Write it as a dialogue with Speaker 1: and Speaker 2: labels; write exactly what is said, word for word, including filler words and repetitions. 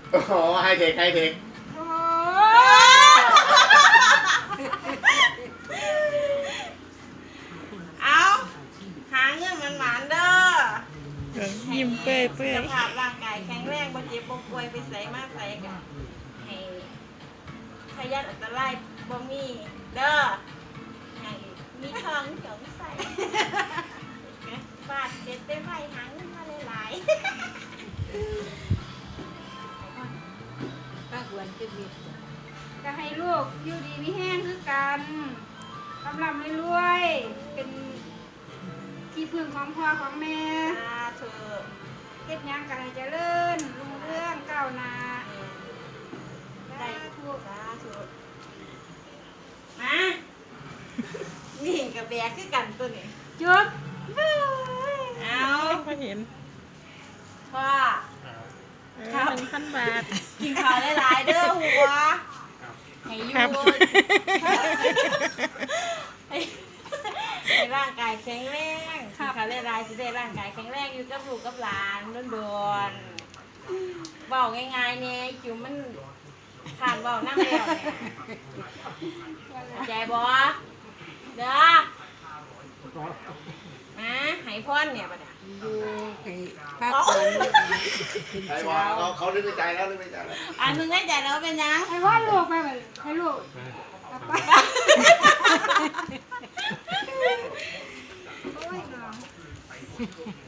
Speaker 1: อ๋อให้เทคให้เทค
Speaker 2: เอาหาเงินมันหมานเด้อ
Speaker 3: ยิ้มเปื่อยเปื่อย
Speaker 2: สุขภาพร่างกายแข็งแรงบ่เจ็บบ่ป่วยไปใส่มาใส่กันให้พยันอันตรายบ่มีเด้อให้มีทองเขียวใส่บาดเจ็บได้ไวหาเงินมาหลายๆ
Speaker 4: ก็ควรจะมีก็ให้ลูกอยู่ดีมีแห้งคือกันกำลังรวยๆเป็นที่พึ่งของพ่อของแม่
Speaker 2: สาธุ
Speaker 4: เฮ็ดหยังก็ให้เจริญรุ่งเรืองก้าวหน้า
Speaker 2: ได้
Speaker 4: สาธุ
Speaker 2: สาธุมานี่กับแบกคือกันตัวนี้
Speaker 4: จุ๊บ
Speaker 2: เอา
Speaker 3: พอเห็น
Speaker 2: พ่อ
Speaker 3: ครับหนึ่งพันบาท
Speaker 2: กินข้าวหลายๆเด้อหัวให้อ
Speaker 3: ครั
Speaker 2: ยู่
Speaker 3: บ
Speaker 2: ให้ให้ร่างกายแข็งแรงกินข้าวหลายๆสิได้ร่างกายแข็งแรงอยู่กับลูกกับหลานโดนๆเว้าง่ายๆเนี่ยจิ๋วมันขานเว้านั่งแล้วเนี่ยเข้าใจบ่เด้อมาให้พรเนี่ยบัดเนี่ย
Speaker 4: อยู่ให้พักผ่อน
Speaker 1: ใครว่าเขาเขานึกในใจแล้วนึกในใจแล้ว
Speaker 2: อ่านมึงให้ใจแล้วเป็นยัง
Speaker 4: ให้ว่าลูกไปบัดให้ลูกไปโอ้ยน้อง